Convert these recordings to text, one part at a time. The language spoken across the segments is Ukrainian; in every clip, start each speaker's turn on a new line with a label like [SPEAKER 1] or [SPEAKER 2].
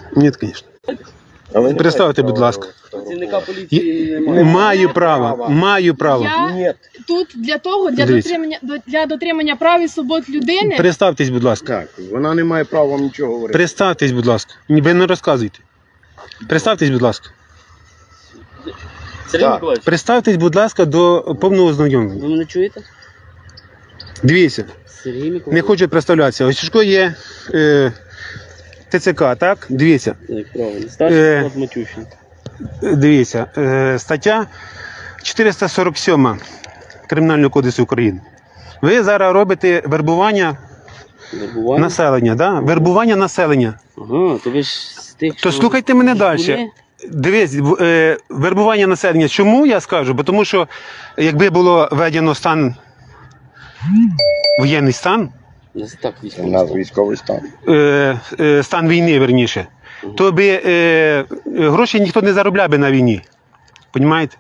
[SPEAKER 1] Ні, звісно. Представте, будь ласка.
[SPEAKER 2] Працівника поліції немає.
[SPEAKER 1] Маю право.
[SPEAKER 3] Я тут для того, для дотримання прав і свобод людини.
[SPEAKER 1] Представтесь, будь ласка.
[SPEAKER 4] Так, вона не має права вам нічого говорити.
[SPEAKER 1] Представтесь, будь ласка. Ви не розказуйте. Представтесь, будь ласка.
[SPEAKER 2] Сергій Миколаївич,
[SPEAKER 1] Представтесь, будь ласка, до повного ознайомлення.
[SPEAKER 2] ви мене чуєте?
[SPEAKER 1] Дивіться,
[SPEAKER 2] Сергій Миколаївич.
[SPEAKER 1] не хочу представлятися. Ось Сушко є ТЦК, так? Дивіться.
[SPEAKER 2] Так, правильно. Старший склад Матющенко.
[SPEAKER 1] Дивіться, стаття 447 Кримінального кодексу України. Ви зараз робите вербування населення, да? Вербування населення.
[SPEAKER 2] Ага, то ви ж з тих,
[SPEAKER 1] То слухайте мене далі. Дивись, вербування населення. Чому я скажу? Бо тому що якби було введено воєнний стан,
[SPEAKER 2] Так,
[SPEAKER 4] У нас військовий стан.
[SPEAKER 1] стан війни, верніше, то би гроші ніхто не заробляв би на війні. Понімаєте?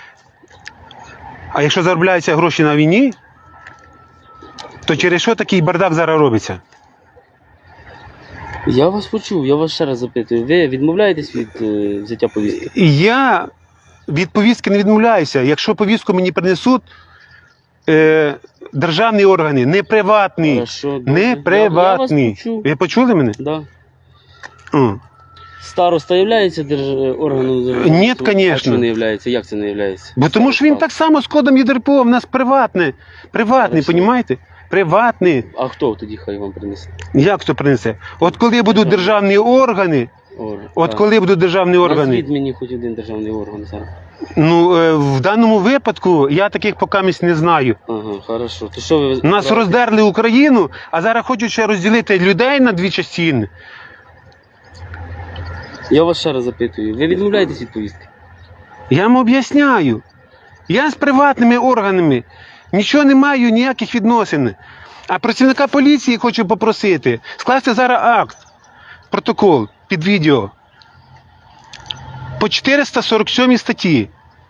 [SPEAKER 1] А якщо заробляються гроші на війні, то через що такий бардак зараз робиться?
[SPEAKER 2] Я вас почув, я вас ще раз запитую. Ви відмовляєтесь від взяття повістки?
[SPEAKER 1] Я від повістки не відмовляюся. Якщо повістку мені принесуть державні органи, не приватні.
[SPEAKER 2] Хорошо, добре.
[SPEAKER 1] Не приватні.
[SPEAKER 2] Я вас почув.
[SPEAKER 1] Ви почули мене?
[SPEAKER 2] Да.
[SPEAKER 1] О.
[SPEAKER 2] Староста являється органом державної
[SPEAKER 1] Ні,
[SPEAKER 2] служби?
[SPEAKER 1] конечно.
[SPEAKER 2] А чому не являється? Як це не являється?
[SPEAKER 1] Бо тому що він так само з кодом ЄДРПО, в нас приватний,
[SPEAKER 2] Хорошо.
[SPEAKER 1] понімаєте? Приватний.
[SPEAKER 2] А хто тоді хай вам принесе?
[SPEAKER 1] Як хто принесе? От коли будуть державні органи, коли будуть державні органи,
[SPEAKER 2] Назвіть мені хоч один державний орган зараз.
[SPEAKER 1] ну в даному випадку я таких покамість не знаю.
[SPEAKER 2] Ага, хорошо. То що ви...
[SPEAKER 1] Нас роздерли Україну, а зараз хочуть ще розділити людей на дві частини.
[SPEAKER 2] Я вас ще раз запитую. Ви відмовляєтесь від повістки?
[SPEAKER 1] Я вам об'ясняю. Я з приватними органами нічого не маю, ніяких відносин. А працівника поліції хочу попросити скласти зараз акт, протокол під відео по 447 статті.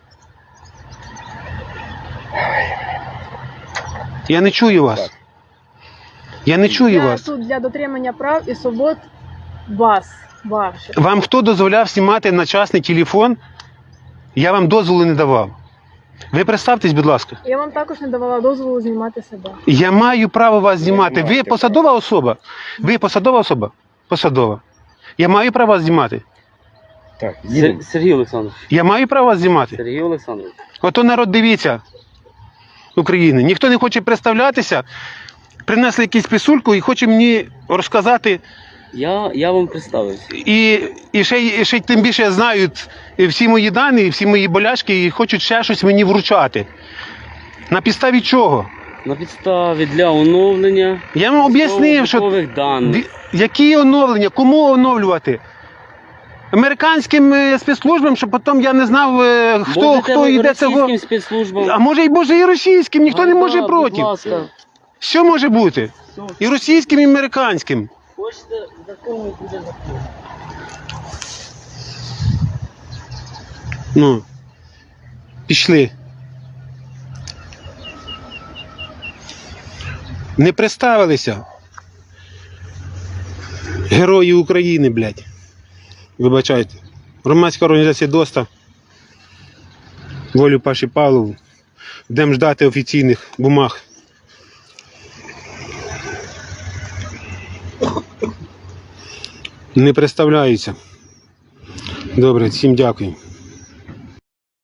[SPEAKER 1] Я не чую вас. Я не чую
[SPEAKER 3] Я
[SPEAKER 1] вас.
[SPEAKER 3] тут для дотримання прав і свобод ваших.
[SPEAKER 1] Вам хто дозволяв знімати на частний телефон? Я вам дозволу не давав. Ви представтесь, будь ласка.
[SPEAKER 3] Я вам також не давала дозволу знімати себе.
[SPEAKER 1] Я маю право вас знімати. Ви посадова особа? Ви посадова особа? Посадова. Я маю право вас знімати?
[SPEAKER 4] Так, їдемо.
[SPEAKER 2] Сергій Олександрович.
[SPEAKER 1] Я маю право вас знімати?
[SPEAKER 2] Сергій Олександрович.
[SPEAKER 1] Ото народ дивіться України. Ніхто не хоче представлятися. Принесли якусь писульку і хоче мені розказати.
[SPEAKER 2] Я вам представився.
[SPEAKER 1] І ще тим більше знають всі мої дані, всі мої болячки і хочуть ще щось мені вручати. На підставі чого?
[SPEAKER 2] На підставі для оновлення
[SPEAKER 1] Я вам об'яснив, що
[SPEAKER 2] військових даних.
[SPEAKER 1] які оновлення, кому оновлювати? Американським спецслужбам, щоб потім я не знав, хто йде цього.
[SPEAKER 2] Російським спецслужбам.
[SPEAKER 1] А може і російським, ніхто не може проти.
[SPEAKER 2] Будь ласка.
[SPEAKER 1] Що може бути? І російським, і американським.
[SPEAKER 2] Хочете закону, буде закон.
[SPEAKER 1] Ну, пішли. Не представилися. Герої України, блядь. Вибачайте. Громадська організація ДОСТа. Волю Паші Павлову. Будемо ждати офіційних бумаг. Не представляються. Добре, всім дякую.